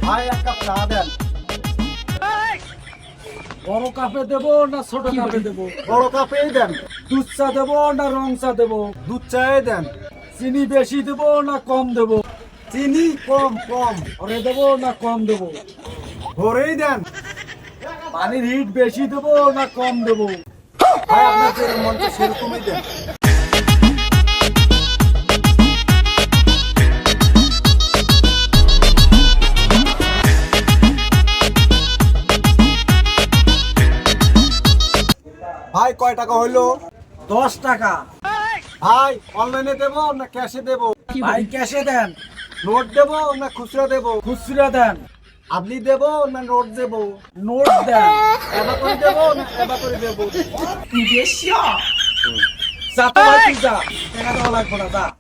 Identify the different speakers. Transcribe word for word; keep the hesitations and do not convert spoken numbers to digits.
Speaker 1: ভাই এক কাপ চা দেন।
Speaker 2: বড় কাপে দেবো না ছোট কাপে দেবো?
Speaker 1: বড় কাপেই দেন।
Speaker 2: দুধ চা দেবো না রং চা দেবো?
Speaker 1: দুধ চাই দেন।
Speaker 2: চিনি বেশি দেবো না কম দেবো?
Speaker 1: চিনি কম কম
Speaker 2: ভরে দেবো না কম দেবো?
Speaker 1: ভরেই দেন।
Speaker 2: পানির হিট বেশি দেবো না কম দেবো?
Speaker 1: ভাই আপনার যে মন চায় সেরকমই দেন। ভাই কয় টাকা হইলো?
Speaker 2: দশ টাকা।
Speaker 1: ভাই অনলাইনে দেবো না ক্যাশে দেবো?
Speaker 2: ভাই ক্যাশে দেন।
Speaker 1: নোট দেবো না খুচরা দেবো?
Speaker 2: খুচরা দেন।
Speaker 1: আপনি দেবো না নোট দেবো?
Speaker 2: নোট দেন।
Speaker 1: এবার করে দেবো না এবার করে দেবো?
Speaker 2: যা তো ভাই তুই যা, টাকা দেওয়া লাগবে না, যা।